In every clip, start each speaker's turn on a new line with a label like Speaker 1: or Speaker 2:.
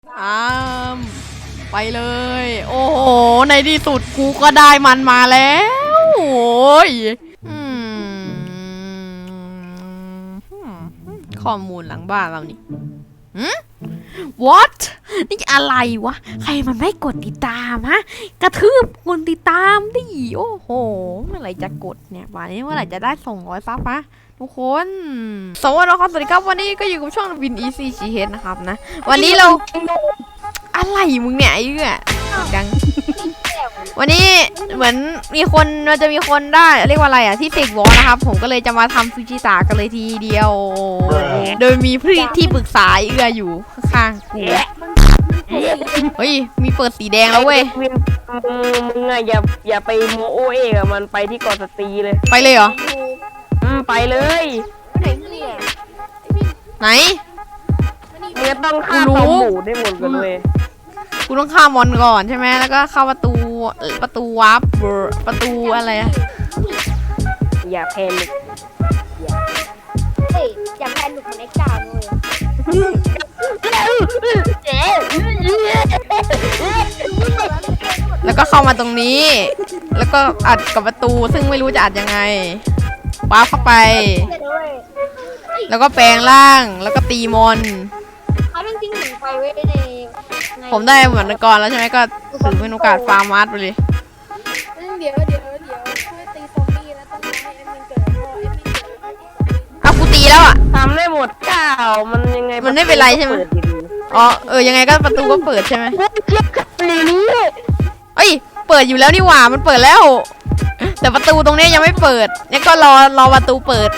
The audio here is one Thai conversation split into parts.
Speaker 1: อ้ามไปเลยโอ้โหในที่สุดกูก็ได้มันมาแล้วโอ้ยข้อมูลหลังบ้านเรานี่what นี่อะไรวะใครมันไม่กดติดตามฮะกระทืบคนติดตามดิโอ้โหเมื่อไหร่จะกดเนี่ยวันนี้เมื่อไหร่จะได้200ซับฮะทุกคนสวัสดีครับสวัสดีครับวันนี้ก็อยู่กับช่องวิน Easy GH นะครับนะวันนี้เราอะไรมึงเนี่ยไอ้เหี้ยดังวันนี้เหมือนมีคนเราจะมีคนได้เรียกว่าอะไรอ่ะที่เสกวอลนะครับผมก็เลยจะมาทำซูชิตะกันเลยทีเดียวโดยมีพี่ที่ปรึกษาเอื้ออยู่ข้างๆกูเฮ้ยมีเปิดสีแดงแล้วเว้ย
Speaker 2: มึงอะอย่าไปโมโอเอกอะมันไปที่เกาะสตรีเลย
Speaker 1: ไปเลยเหรอ
Speaker 2: ไปเลย
Speaker 1: ไหน
Speaker 2: มึงต้องฆ่าตอมหมูได้หมดกันเลย
Speaker 1: กูต้องฆ่ามอนก่อนใช่ไหมแล้วก็เข้าประตูวาร์ปประตูอะไรอะ
Speaker 2: อย่าแพนิค
Speaker 3: อย่าแพนิคในกาเลย
Speaker 1: แล้วก็เข้ามาตรงนี้แล้วก็อัดกับประตูซึ่งไม่รู้จะอัดยังไงวาร์ปเข้าไปแล้วก็แปลงร่างแล้วก็ตีมอน
Speaker 3: เขาต้องทิ้งหนูไปไว้ใน
Speaker 1: ผมได้เหมือนก่อนแล้วใช่ไหมก็ถือเป็นโอกาสฟาร์มาร์ทไปเลย
Speaker 3: เดี๋ยวช่วยตีซอมบี้แล้วต้องให้แอดมินเกิดพอแอดมินเกิด
Speaker 1: เอากูตีแล้วอ่ะ
Speaker 2: ทำได้หมดก้าวมันยังไง
Speaker 1: มันไม่เป็นไรใช่ไหมอ๋อยังไงก็ประตูก็เปิดใช่ไหมเอ้ยเปิดอยู่แล้วนี่หว่ามันเปิดแล้วแต่ประตูตรงนี้ยังไม่เปิดเนี่ยก็รอประตูเปิด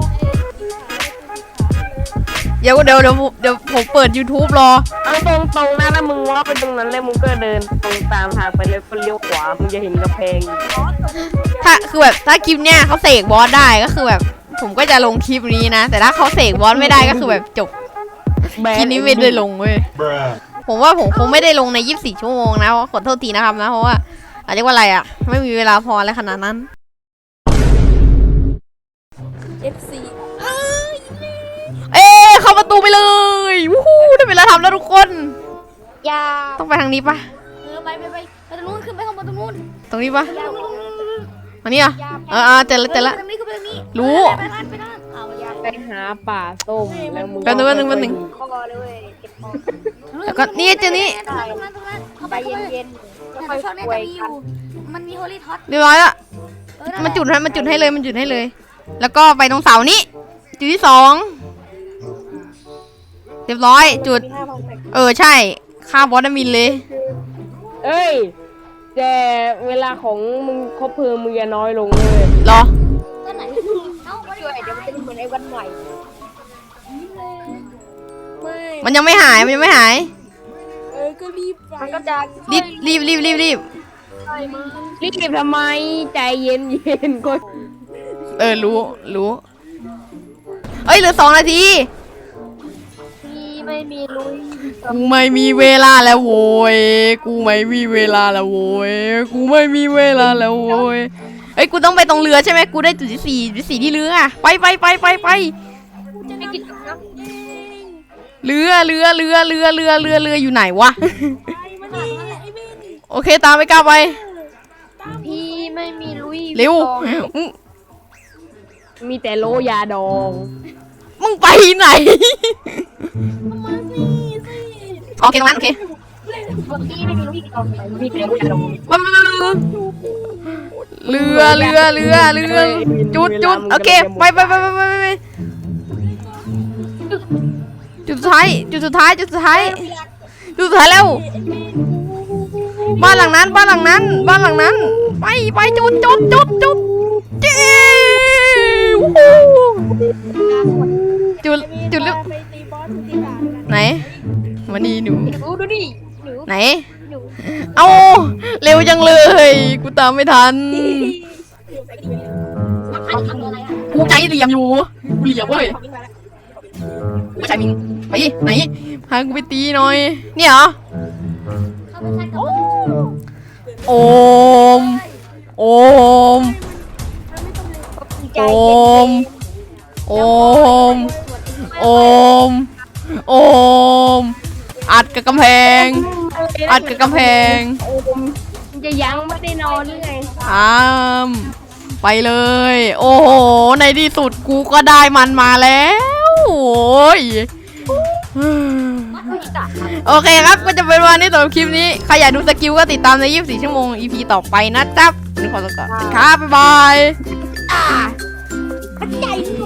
Speaker 1: เดี๋ยวผมเปิด YouTube รอ
Speaker 2: เอาตรงนะถ้ามึงว่าไปตรงนั้นแล้วมึงก็เดินตรงตามทางไปเลยเลี้ยวขวามึงจะเห็นกระแพง
Speaker 1: ถ้าคือแบบถ้าคลิปเนี้ยเขาเสกบอสได้ก็คือแบบผมก็จะลงคลิปนี้นะแต่ถ้าเขาเสกบอสไม่ได้ก็คือแบบจบคลิปนี้ไม่ได้ลงเว้ยผมว่าผมคงไม่ได้ลงใน24 ชั่วโมงนะขอโทษทีนะครับนะเพราะว่าเรียกว่าอะไรอ่ะไม่มีเวลาพออะไรขนาดนั้น
Speaker 3: FC
Speaker 1: เข้าประตูไปเลยวู้ฮู้ได้เวลาทำแล้วทุกคน
Speaker 3: อย่า
Speaker 1: ต้องไปทางนี้ปะ
Speaker 3: ไปตรงนู้นขึ้นไปข้างบนตรงนู้น
Speaker 1: ตรงนี้ปะอันนี้อ่ะเจอละรู้
Speaker 2: ไปหาป่าส้มแล้วมึง
Speaker 1: กันนึงแล้วก็นี่เจอนี่
Speaker 3: ไปเย็นๆค่อยๆคุยกันมันมีโฮลี่ท็อต
Speaker 1: เรียบร้อยละมันจุดให้เลย แล้วก็ไปตรงเสานี้จุดที่2เรียบร้อยจุดใช่ฆ่าบอสมินเลย
Speaker 2: เอ้ยแต่เวลาของมึงครบเพลิงมึงจะน้อยลงเลย
Speaker 1: หรอ
Speaker 3: ก็ไหนช่วยเดี๋ยวมันจะเหมือนไอ้วันใหม่
Speaker 1: มันยังไม่หาย
Speaker 3: ก็รีบมันก็จะ
Speaker 1: รีบ
Speaker 2: ทำไมใจเย็นก็
Speaker 1: รู้เหลือ2 นาที
Speaker 3: ไม่มีลุย
Speaker 1: กูไม่มีเวลาแล้วโว้ยกูไม่มีเวลาแล้วโว้ยกูต้องไปตรงเรือใช่ไหมกูได้จุดที่4ที่เรือไปเรืออยู่ไหนวะโอเคตามไปก้าวไป
Speaker 3: พี่ไม่มีลุย
Speaker 1: เร็ว
Speaker 2: มีแต่โลยาดอง
Speaker 1: มึงไปไหนโอเคตรงนั้นโอเคเรือจุดโอเคไปจุดสุดท้ายแล้วบ้านหลังนั้นไปจุดลึกไหนมานี่หนู
Speaker 3: ดูดิ
Speaker 1: ไหนเอาเร็วจังเลยกูตามไม่ทันกูใจเหลี่ยมอยู่กูเหลี่ยมเว้ยกูใจมิงไปไหนพากูไปตีหน่อยเนี่ยเหรอโอมอัดกับกำแพง อัดกับกำแพง
Speaker 2: โอ้มมึงจะยังไม่ได้นอนหรือไง
Speaker 1: ไปเลย โอ้โห ในที่สุดกูก็ได้มันมาแล้วโอ้ยโอเคครับก็จะเป็นวันนี้สำหรับคลิปนี้ใครอยากดูสกิลก็ติดตามใน24 ชั่วโมง EP ต่อไปนะจ๊ะวันนี้ขอตัวก่อนครับบ๊ายบาย
Speaker 3: ใจ